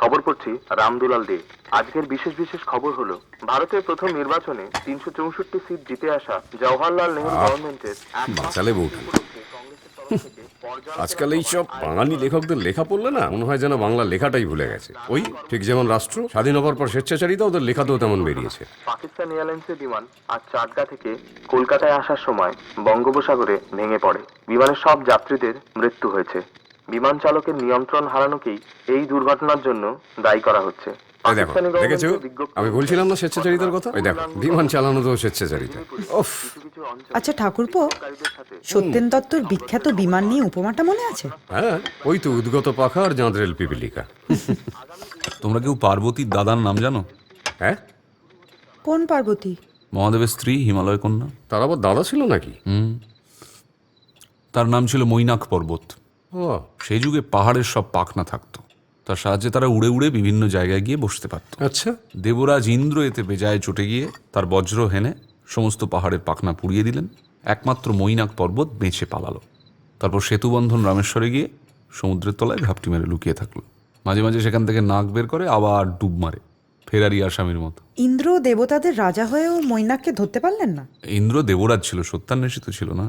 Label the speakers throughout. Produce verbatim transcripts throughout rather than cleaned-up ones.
Speaker 1: খবর পড়ছি রামদুলাল দে। আজকের বিশেষ বিশেষ খবর হলো ভারতের প্রথম নির্বাচনে তিনশো চৌষট্টি সিট জিতে আসা জওহরলাল নেহরু গভর্নমেন্টের
Speaker 2: বাঁচালে বউ। আজকাল এই সব বাঙালি লেখকদের লেখা পড়লে না মনে হয় যেন বাংলা লেখাটাই ভুলে গেছে। ওই ঠিক যেমন রাষ্ট্র স্বাধীন হবার পর স্বেচ্ছাচারিতা ওদের লেখাতেও তেমন বেরিয়েছে।
Speaker 1: পাকিস্তান এয়ারলাইন্সের বিমান আজ চাটগা থেকে কলকাতায় আসার সময় বঙ্গোপসাগরে ভেঙে পড়ে। বিমানের সব যাত্রীদের মৃত্যু হয়েছে। বিমান চালকের নিয়ন্ত্রণ হারানোকেই এই দুর্ঘটনার জন্য দায়ী করা হচ্ছে।
Speaker 2: এই দেখো, দেখেছো আমি বলছিলাম না স্বেচ্ছাচারিতার কথা? ওই দেখো, বিমান চালানো তো স্বেচ্ছাচারিতা। উফ।
Speaker 3: আচ্ছা ঠাকুরপো, সত্যেন দত্তর বিখ্যাত বিমান নিয়ে উপমাটা মনে আছে?
Speaker 2: হ্যাঁ, ওই তো উদ্গত পাখা আর জাঁদরেল পিপিলিকা।
Speaker 4: তোমরা কেউ পার্বতীর দাদার নাম জানো?
Speaker 2: হ্যাঁ,
Speaker 3: কোন পার্বতী?
Speaker 4: মহাদেবের স্ত্রী, হিমালয় কন্যা।
Speaker 2: তার আবার দাদা ছিল নাকি?
Speaker 4: হুম, তার নাম ছিল মৈনাক পর্বত।
Speaker 2: ও,
Speaker 4: সেই যুগে পাহাড়ের সব পাখনা থাকতো, তার সাহায্যে তারা উড়ে উড়ে বিভিন্ন জায়গায় গিয়ে বসতে পারত।
Speaker 2: আচ্ছা।
Speaker 4: দেবরাজ ইন্দ্র এতে বেজায় চটে গিয়ে তার বজ্র হেনে সমস্ত পাহাড়ের পাখনা পুড়িয়ে দিলেন। একমাত্র মৈনাক পর্বত বেঁচে পালালো। তারপর সেতুবন্ধন রামেশ্বরে গিয়ে সমুদ্রের তলায় ঘাপটি মেরে লুকিয়ে থাকলো। মাঝে মাঝে সেখান থেকে নাক বের করে আবার ডুব মারে, ফেরারি আসামির মতো।
Speaker 3: ইন্দ্র দেবতাদের রাজা হয়েও মৈনাককে ধরতে পারলেন না?
Speaker 4: ইন্দ্র দেবরাজ ছিল, সত্যান্বেষিত ছিল না।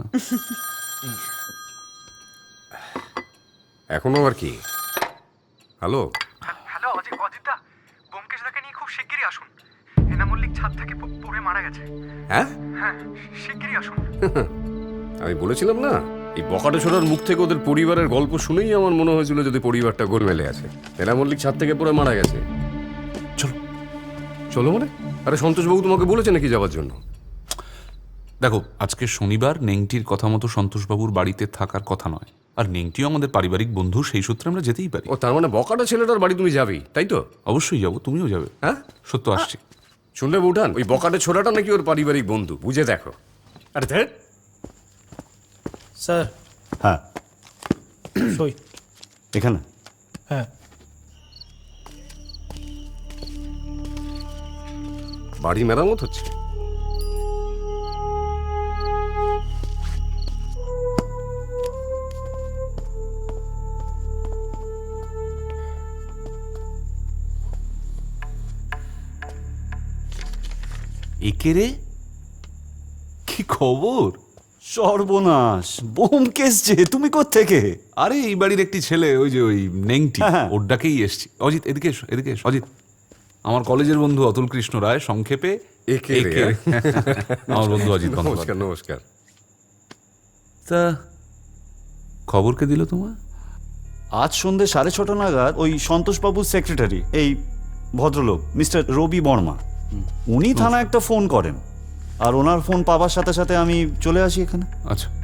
Speaker 2: এখনো আর কি? হ্যালো
Speaker 5: হ্যালো অজিত, অজিতদা, ব্যোমকেশদাকে নিয়ে খুব শিগগিরই আসুন। হেনা মল্লিক ছাদ থেকে প- পড়ে মারা গেছে।
Speaker 2: হ্যাঁ,
Speaker 5: হ্যাঁ, শিগগিরই আসুন।
Speaker 2: আমি বলেছিলাম না, এই বকাটে ছোড়ার মুখ থেকে ওদের পরিবারের গল্প শুনেই আমার মনে হয়েছিল যদি পরিবারটা গোলমেলে আছে। হেনা মল্লিক ছাদ থেকে পড়ে মারা গেছে।
Speaker 4: চলো
Speaker 2: চলো মানে? আরে সন্তোষবাবু তোমাকে বলেছে নাকি যাওয়ার জন্য?
Speaker 4: দেখো, আজকে শনিবার, নেংটির কথা মতো সন্তোষবাবুর বাড়িতে থাকার কথা নয়। আর নেংটিও আমাদের পারিবারিক বন্ধু, সেই সূত্রে আমরা যেতেই পারি।
Speaker 2: ও, তার মানে বকাটা ছেলেটার বাড়ি তুমি যাবেই, তাই তো?
Speaker 4: অবশ্যই যাবো, তুমিও যাবে।
Speaker 2: হ্যাঁ,
Speaker 4: সত্য আসছি।
Speaker 2: শুনলে বউঠান, ওই বকাটে ছোড়াটা নাকি ওর পারিবারিক বন্ধু, বুঝে দেখো। আরে ধ্যাৎ।
Speaker 6: স্যার।
Speaker 7: হ্যাঁ,
Speaker 6: সই।
Speaker 7: এখানে
Speaker 6: হ্যাঁ।
Speaker 2: বাড়ি মেরামত হচ্ছে?
Speaker 4: একে রে, কি খবর?
Speaker 7: সর্বনাশ, ব্যোমকেশ যে, তুমি কোত্থেকে?
Speaker 4: আরে এই বাড়ির একটি ছেলে, ওই যে ওই নেংটি,
Speaker 7: হ্যাঁ।
Speaker 4: ওর ডাকেই এসছি। অজিত, এদিকে এসো, এদিকে এসো। অজিত আমার কলেজের বন্ধু অতুল কৃষ্ণ রায়, সংক্ষেপে
Speaker 2: একে রে।
Speaker 4: একে। আমার বন্ধু অজিত
Speaker 2: নমস্কার,
Speaker 4: বন্দ্যোপাধ্যায়।
Speaker 2: নমস্কার।
Speaker 4: তা খবর কে দিল তোমার?
Speaker 7: আজ সন্ধ্যে সাড়ে ছটা নাগাদ ওই সন্তোষবাবুর সেক্রেটারি, এই ভদ্রলোক মিস্টার রবি বর্মা, উনি থানায় একটা ফোন করেন, আর ওনার ফোন পাওয়ার সাথে সাথে আমি চলে আসি এখানে।
Speaker 4: আচ্ছা,